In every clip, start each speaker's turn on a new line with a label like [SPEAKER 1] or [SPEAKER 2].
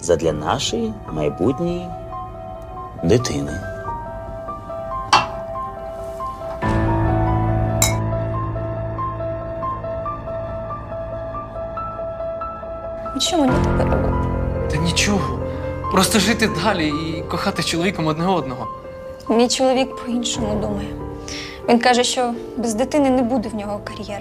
[SPEAKER 1] задля нашої майбутньої дитини.
[SPEAKER 2] І що мені тепер робити?
[SPEAKER 3] Та нічого. Просто жити далі і кохати з чоловіком одне одного.
[SPEAKER 2] Мій чоловік по-іншому думає. Він каже, що без дитини не буде в нього кар'єри.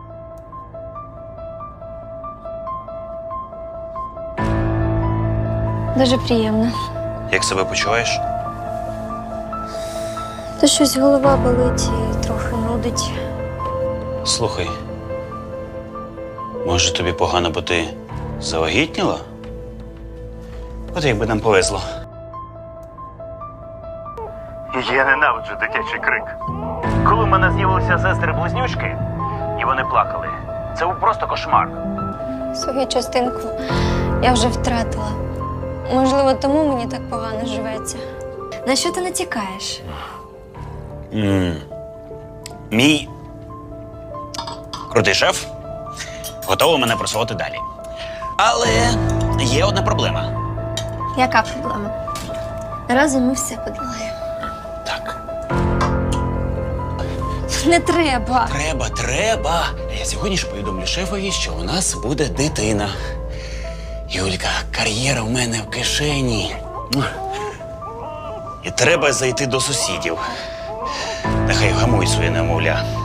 [SPEAKER 2] Дуже приємно.
[SPEAKER 1] Як себе почуваєш?
[SPEAKER 2] Та щось голова болить і трохи нудить.
[SPEAKER 1] Слухай, може тобі погано, бо ти завагітніла? От якби нам повезло.
[SPEAKER 4] Я ненавиджу дитячий крик. Коли в мене з'явилися сестри-близнючки, і вони плакали, це був просто кошмар.
[SPEAKER 2] Свою частинку я вже втратила. Можливо, тому мені так погано живеться. На що ти натякаєш?
[SPEAKER 1] Мій крутий шеф готовий мене просувати далі. Але є одна проблема.
[SPEAKER 2] Яка проблема? Разом ми все подолаємо.
[SPEAKER 1] Так.
[SPEAKER 2] Не треба.
[SPEAKER 1] Треба. Я сьогодні ж повідомлю шефові, що у нас буде дитина. Юлька, кар'єра в мене в кишені. І треба зайти до сусідів. Нехай вгамують своє немовля.